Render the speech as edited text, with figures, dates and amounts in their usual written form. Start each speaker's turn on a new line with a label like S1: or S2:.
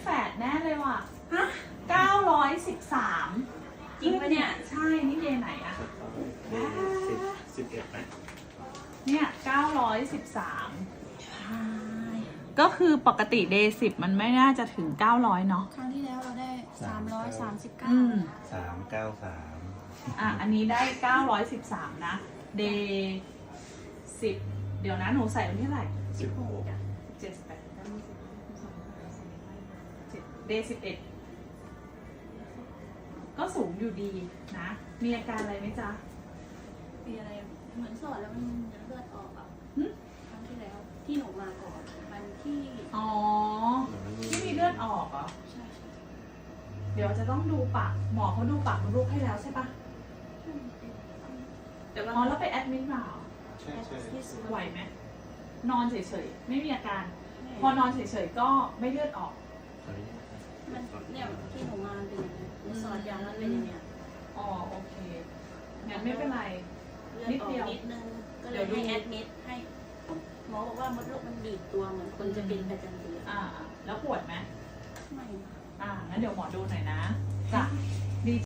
S1: ฝดแน่เลยว่ะ
S2: ฮะ
S1: 913
S2: จริงปะเนี่ย
S1: ใช่ นี่เดย์ไหนอะ
S3: เดย์11ไหม
S1: เนี่ย 913 ก็คือปกติเดย์10มันไม่น่าจะถึง 900 เนาะ
S2: ครั้งที่แล้วเราได้
S1: อืม
S3: 393
S1: อันนี้ได้ 913 นะ เดย์10 เดี๋ยวนะหนูใส่วันที่เท่าไหร่
S3: 16
S1: 7 8 เดย์11 ก็สูงอยู่ดีนะ มีอาการอะไรไหมจ๊ะ
S2: มีอะไรเหมือนสอดแล้วมันเลือดออกอ่ะ
S1: หึ
S2: ครั้งที่แล้วที่หนูมาก่อนมันที่
S1: อ๋อ ที่มีเลือดออกเหรอ
S2: ใช่ใช่
S1: เดี๋ยวจะต้องดูปาก หมอเขาดูปากมดลูกให้แล้วใช่ปะ
S2: เดี๋ยว
S1: อ๋
S2: เรา
S1: อแล้วไปแอดมิดมาเหรอ
S3: ใช่ใช่
S2: ที่สุด
S1: ไหวไหม นอนเฉยๆ ไม่มีอาการ พอนอนเฉยๆ ก็ไม่เลือดออก
S2: มันเนี่ยที่หนูมาเป็นอย่างเงี้ยหนูสอดยางมันเป็นอย่างเงี้ย
S1: อ๋อ โอเค งั้นไม่เป็นไร
S2: เลือดออกนิดนึงก็เลยให้แอดมิดให้หมอบอกว่ามดลูกมันบีบตัวเหมือนคนจะเป็นประจำเดือน
S1: แล้วปวดไหม
S2: ไม่
S1: งั้นเดี๋ยวหมอดูหน่อยนะ จ้ะ ดี